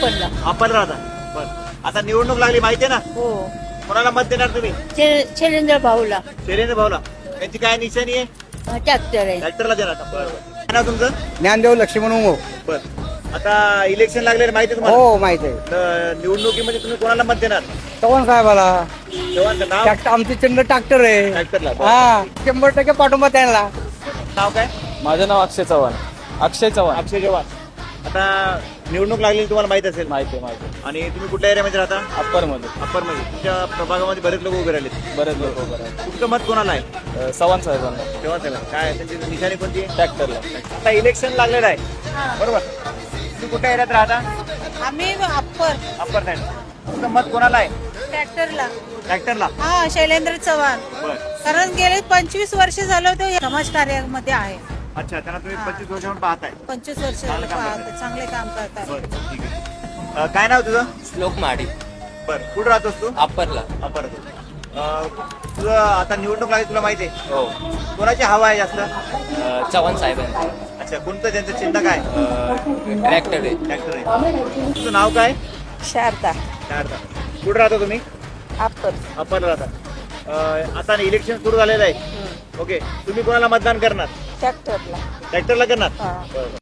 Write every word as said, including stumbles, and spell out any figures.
आपणला. आपण राहता बर. आता निवडणूक लागली माहितीये ना, हो. कोणाला मत देणार तुम्ही? शे- शैलेंद्र भाऊला शैलेंद्र भाऊला. त्यांची काय निशाणी आहे? ट्रॅक्टर आहे. ट्रॅक्टरला देणार का? बरं बरं. काय नाव तुमचं? ज्ञानदेव लक्ष्मण उमो. बर. आता इलेक्शन लागलेलं माहिती आहे तुम्हाला? हो माहित आहे. तर निवडणुकीमध्ये तुम्ही कोणाला मत देणार? चव्हाण साहेबाला. चव्हाणचं नाव? ट्रॅक्टर आमचे चंद्र ट्रॅक्टर आहे. ट्रॅक्टरला. बरं. हा शंभर टक्के पाठिंबा त्यांना. नाव काय? माझं नाव अक्षय चव्हाण. अक्षय चव्हाण. अक्षय चव्हाण. आता निवडणूक लागलेली तुम्हाला माहित असेल माहिती आहे माहिती आहे. आणि तुम्ही कुठल्या एरियामध्ये राहता? अप्परमध्ये अप्पर मध्ये. तुमच्या प्रभागामध्ये बरेच लोक उभे राहिले. बरेच लोक उभे आहेत. तुमचं मत कोणाला आहे? अ, चव्हाण साहेबांना. चव्हाण साहेब. काय त्यांची निशाणी कोणती आहे? ट्रॅक्टरला. आता इलेक्शन लागलेलं आहे बरोबर. तुम्ही कुठल्या एरियात राहता? आम्ही अप्पर अप्पर साईड. तुमचं मत कोणाला आहे? ट्रॅक्टरला. ट्रॅक्टरला. हा शैलेंद्र चव्हाण. बर. कारण गेले पंचवीस वर्ष झालं तो समाज कार्यामध्ये आहे. अच्छा, त्यांना तुम्ही पंचवीस वर्षांपासून पाहताय. पंचवीस वर्ष चांगलं काम पाहत- करतात. चांगले काम करतात. बरं ठीक आहे. अं, काय नाव तुझं? श्लोक माडी. बर. कुठं राहतोस तू? अप्परला. अप्पर. अं, तुझं आता निवडणूक लागली तुला माहिती आहे? हो. कोणाची हवा आहे जास्त? अ, चव्हाण साहेबांचा. अच्छा, कोणतं त्यांचं चिन्ह काय? ट्रॅक्टर आहे. ट्रॅक्टर आहे. तुझं नाव काय? शारदा. शारदा. कुठं राहता तुम्ही? अप्पर. अप्परला राहता. अं, आता इलेक्शन सुरू झालेलं आहे. ओके, तुम्ही कोणाला मतदान करणार? ट्रॅक्टरला. ट्रॅक्टरला करणार? हा. बरं.